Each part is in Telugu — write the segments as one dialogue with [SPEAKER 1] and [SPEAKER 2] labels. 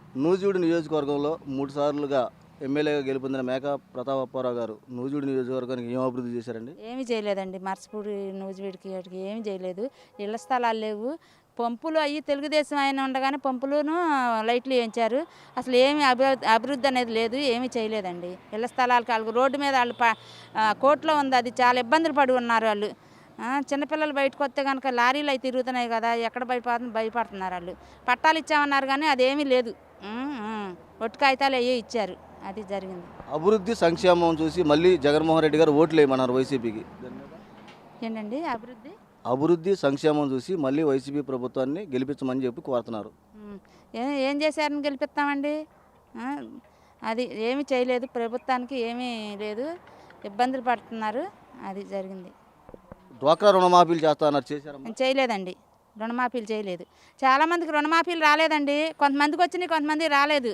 [SPEAKER 1] నూజివీడు నియోజకవర్గంలో 3 సార్లుగా ఎమ్మెల్యేగా గెలుపొందిన మేకా ప్రతాపప్పారావు గారు నూజివీడు నియోజకవర్గానికి ఏం అభివృద్ధి చేశారండి?
[SPEAKER 2] ఏమీ చేయలేదండి. మర్చిపూడి నూజివీడికి వాటికి ఏమీ చేయలేదు. ఇళ్ల స్థలాలు లేవు. పంపులు అయ్యి తెలుగుదేశం ఆయన ఉండగానే పంపులును లైట్లు వేయించారు. అసలు ఏమి అభివృద్ధి అనేది లేదు. ఏమీ చేయలేదండి. ఇళ్ల స్థలాలకు వాళ్ళు రోడ్డు మీద వాళ్ళు కోర్టులో ఉంది, అది చాలా ఇబ్బందులు పడి ఉన్నారు వాళ్ళు. చిన్నపిల్లలు బయటకు వస్తే కనుక లారీలు అయితే తిరుగుతున్నాయి కదా, ఎక్కడ భయపడుతున్నారు వాళ్ళు. పట్టాలు ఇచ్చామన్నారు కానీ అదేమీ లేదు. ఒట్టు కాగితాలు అయ్యే ఇచ్చారు, అది జరిగింది.
[SPEAKER 1] అభివృద్ధి సంక్షేమం చూసి మళ్ళీ జగన్మోహన్ రెడ్డి గారు ఓట్లు వేయమన్నారు వైసీపీకి.
[SPEAKER 2] ఏంటండి
[SPEAKER 1] అభివృద్ధి సంక్షేమం చూసి మళ్ళీ వైసీపీ ప్రభుత్వాన్ని గెలిపించమని చెప్పి కోరుతున్నారు.
[SPEAKER 2] ఏం చేశారని గెలిపిస్తామండి? అది ఏమీ చేయలేదు. ప్రభుత్వానికి ఏమీ లేదు, ఇబ్బందులు పడుతున్నారు, అది జరిగింది.
[SPEAKER 1] డ్వాక్రా రుణమాఫీలు చేస్తారన్నారు, చేశారమ్మా?
[SPEAKER 2] చేయలేదండి. రుణమాఫీలు చేయలేదు. చాలామందికి రుణమాఫీలు రాలేదండి. కొంతమందికి వచ్చినాయి, కొంతమంది రాలేదు.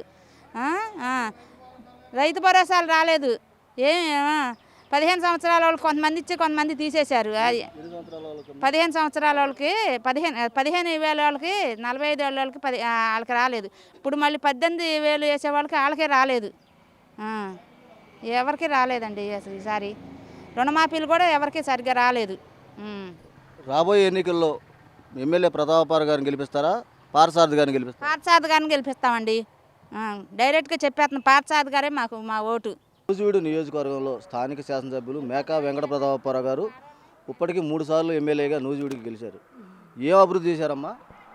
[SPEAKER 2] రైతు భరోసాలు రాలేదు. 15 సంవత్సరాల వాళ్ళకి కొంతమంది ఇచ్చి కొంతమంది తీసేశారు. 15 సంవత్సరాల వాళ్ళకి 15,000 వాళ్ళకి, 45 ఏళ్ళ వాళ్ళకి వాళ్ళకి రాలేదు. ఇప్పుడు మళ్ళీ 18,000 వేసే వాళ్ళకి వాళ్ళకే రాలేదు. ఎవరికి రాలేదండి అసలు ఈసారి. రుణమాఫీలు కూడా ఎవరికి సరిగ్గా రాలేదు.
[SPEAKER 1] రాబోయే ఎన్నికల్లో ఎమ్మెల్యే ప్రతాపప్పారావు గారిని గెలిపిస్తారా, పార్థసారథి గారిని గెలిపిస్తారా?
[SPEAKER 2] పార్థసారథి గారిని గెలిపిస్తామండి. డైరెక్ట్గా చెప్పేస్తున్నాం, పార్థసారథి గారే మాకు మా ఓటు.
[SPEAKER 1] నూజివీడు నియోజకవర్గంలో స్థానిక శాసనసభ్యులు మేకా వెంకట ప్రతాపప్పారావు గారు ఇప్పటికీ 3 సార్లు ఎమ్మెల్యేగా నూజివీడికి గెలిచారు. ఏం అభివృద్ధి చేశారమ్మా?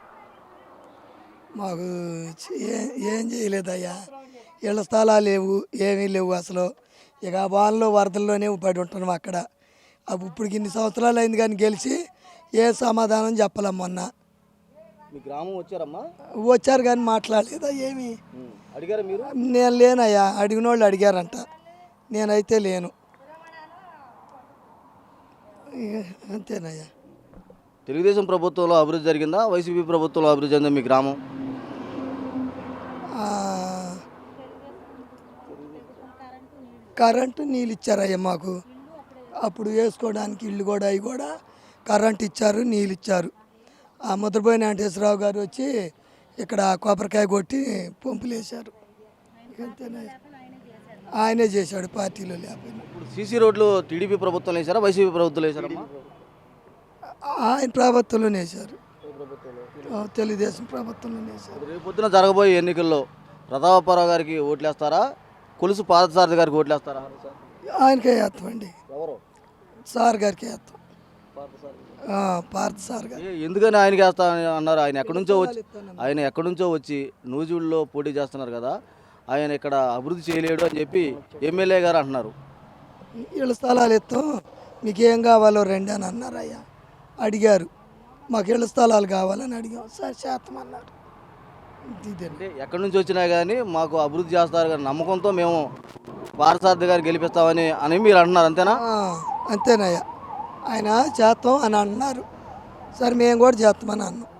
[SPEAKER 3] మాకు ఏం చేయలేదయ్యా. ఇళ్ళ స్థలాలు లేవు, ఏమీ లేవు అసలు. ఇక వానలో వరదల్లోనే పడి ఉంటున్నాం అక్కడ. ఇప్పటికి ఇన్ని సంవత్సరాలు అయింది కానీ గెలిచి ఏ సమాధానం చెప్పలేం. మొన్న
[SPEAKER 1] మీ గ్రామం వచ్చారమ్మా?
[SPEAKER 3] వచ్చారు కానీ మాట్లాడలేదా ఏమి.
[SPEAKER 1] అడిగారా మీరు?
[SPEAKER 3] నేను లేనయ్యా. అడిగిన వాళ్ళు అడిగారంట, నేనైతే లేను. అంతేనయ్యా.
[SPEAKER 1] తెలుగుదేశం ప్రభుత్వంలో అభివృద్ధి జరిగిందా, వైసీపీ ప్రభుత్వంలో అభివృద్ధి జరిగిందా మీ గ్రామం?
[SPEAKER 3] కరెంటు నీళ్ళు ఇచ్చారయ్యా మాకు. అప్పుడు వేసుకోవడానికి ఇల్లు కూడా అవి కూడా కరెంటు ఇచ్చారు, నీళ్ళు ఇచ్చారు. ఆ ముద్రపోయిన వెంకటేశ్వరరావు గారు వచ్చి ఇక్కడ కొబ్బరికాయ కొట్టి పంపులు వేశారు. అంతేనయ్యా, ఆయనే చేశాడు, పార్టీలో లేకపోయినా.
[SPEAKER 1] ఇప్పుడు సీసీ రోడ్లు టీడీపీ ప్రభుత్వం వేశారా, వైసీపీ ప్రభుత్వం వేశారమ్మా?
[SPEAKER 3] ఆయన ప్రభుత్వంలోనే వేశారు, తెలుగుదేశం ప్రభుత్వంలోనే వేశారు.
[SPEAKER 1] రేపు పొద్దున జరగబోయే ఎన్నికల్లో ప్రతాపప్పారావు గారికి ఓట్లేస్తారా, కొలుసు పార్థసారథి గారికి ఓట్లేస్తారా?
[SPEAKER 3] ఆయనకే వేస్తామండి.
[SPEAKER 1] ఎవరు?
[SPEAKER 3] సార్ గారికి వేస్తాం. పార్థసారథి గారు.
[SPEAKER 1] ఎందుకని ఆయనకి వేస్తా అన్నారు? ఆయన ఎక్కడి నుంచో వచ్చి నూజివీడులో పోటీ చేస్తున్నారు కదా, ఆయన ఇక్కడ అభివృద్ధి చేయలేడు అని చెప్పి ఎమ్మెల్యే గారు అంటున్నారు.
[SPEAKER 3] ఇళ్ళ స్థలాలు ఇస్తాం, మీకు ఏం కావాలో రండి అని అన్నారు. అయ్యా అడిగారు, మాకు ఇళ్ళ స్థలాలు కావాలని అడిగాం. సార్ చేస్తామన్నారు.
[SPEAKER 1] అంటే ఎక్కడి నుంచి వచ్చినా కానీ మాకు అభివృద్ధి చేస్తారు కానీ నమ్మకంతో మేము పార్థసారథి గారు గెలిపిస్తామని మీరు అంటున్నారు, అంతేనా?
[SPEAKER 3] అంతేనయ్యా. ఆయన చేస్తాం అని అన్నారు. సరే మేము కూడా చేస్తామని అన్నాం.